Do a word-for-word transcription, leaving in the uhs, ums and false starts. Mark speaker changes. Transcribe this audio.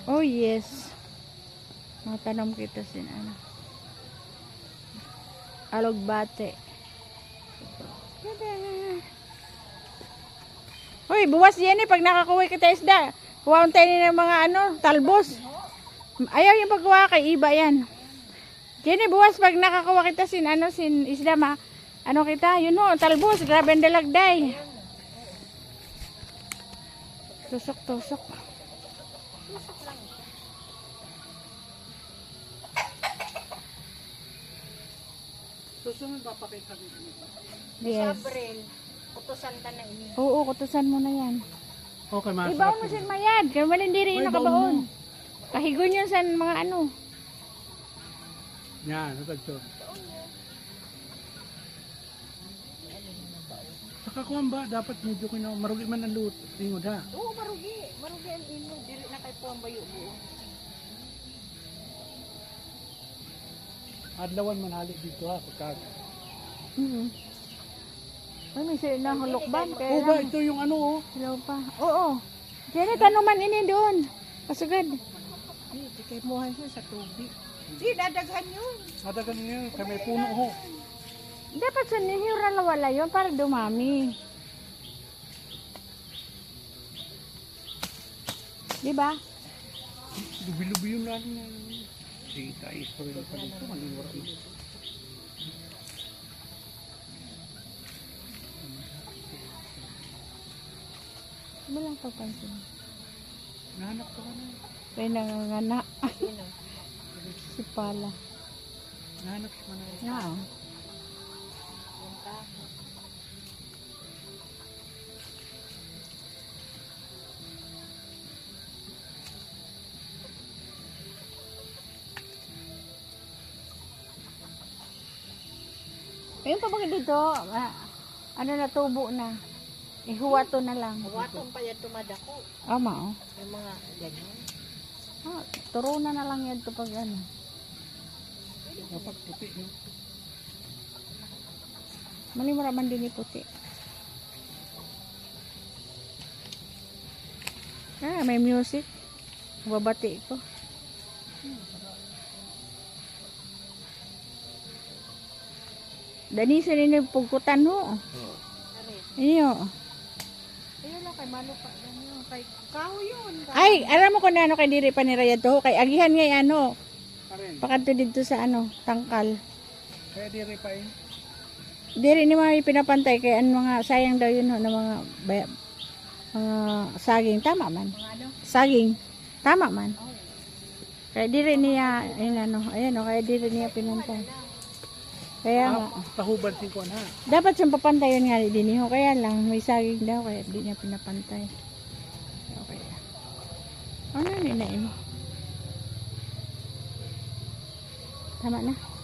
Speaker 1: Oh yes. Matanong kita sin ano. Alugbate. Hoy, buwas yan eh pag nakakuha kita isda. Kuhaon tayo ng mga ano, talbos. Ayaw yung pagkuha kay iba yan. Jenny, buwas pag nakakuha kita sin ano, sin isda ma. Ano kita? Yun o, talbos. Grabe ang dalagday. Tusok, tusok.
Speaker 2: Susunod papakita nito.
Speaker 1: Yes.
Speaker 3: Sabril, kutusan ka na ini.
Speaker 1: Oo, kutusan mo na yan.
Speaker 2: Okay, masarap.
Speaker 1: Ibaon mo sin mayad. Kaya wala hindi rin
Speaker 2: Ay,
Speaker 1: nakabaon.
Speaker 2: baon mo.
Speaker 1: Kahigon yun sa mga ano.
Speaker 2: Yan, natagtog. Saka kuwan ba, dapat medyo kino, marugi man ang luto. Tingod ha.
Speaker 3: Oo, marugi. Marugi ang ino. Dili na kay po ang bayo buo.
Speaker 2: Adlawan manali dito ha, pagkag.
Speaker 1: Mm-hmm. Ay, may sila na hulukban. Kaya
Speaker 2: Oo ba,
Speaker 1: lang.
Speaker 2: ito yung ano oh.
Speaker 1: Hello pa. Oo. Jenny, tanuman ini doon. Pasugad.
Speaker 3: Hindi kay muhan siya sa tubig. Di, dadaghan yun.
Speaker 2: Madagan niya, kaya may puno ho.
Speaker 1: Dapat sa nihira na wala yun para dumami. Diba?
Speaker 2: Lubi-lubi yun natin na. Sige tayo, sorry lang pa dito, maniwara mo.
Speaker 1: Ano lang papansin?
Speaker 2: Nahanap ka ka na.
Speaker 1: Kaya nangangana. Si Pala.
Speaker 2: Nahanap ka na.
Speaker 1: Oo. Ayun pa bakit dito? Ah, ano na tubo na. Ihuwato na lang.
Speaker 3: Watong pa yan tumadako.
Speaker 1: Ama oh.
Speaker 3: Yung mga ganyan.
Speaker 1: Ah, turunan na lang yan to pag ano.
Speaker 2: Dapat puti, no?
Speaker 1: Malimura man din puti. Ah, may music. Babati ko. Dani sa rin yung pugkutan ho. Iyo.
Speaker 3: Ayun lang kay Mano pa. Ganyan. Kay Kao yun.
Speaker 1: Ay, alam mo kung ano kay diri pa ni Raya to. Kay agihan nga ano.
Speaker 2: Karen,
Speaker 1: Pakanto dito sa ano, tangkal.
Speaker 2: kaya di rin pa eh.
Speaker 1: Diri ni mga pinapantay kay ano mga sayang daw yun ho na mga baya, mga saging tama man.
Speaker 3: Mga ano?
Speaker 1: Saging tama man. Kaya diri niya ayun ano, ayan o, kaya diri niya pinantay. Kaya nga,
Speaker 2: Ah, tahuban sin kuwan ha.
Speaker 1: dapat siyang papantay yun nga din ho, kaya lang may saging daw kaya di niya pinapantay. Okay. Ano ni na eh. Tama na.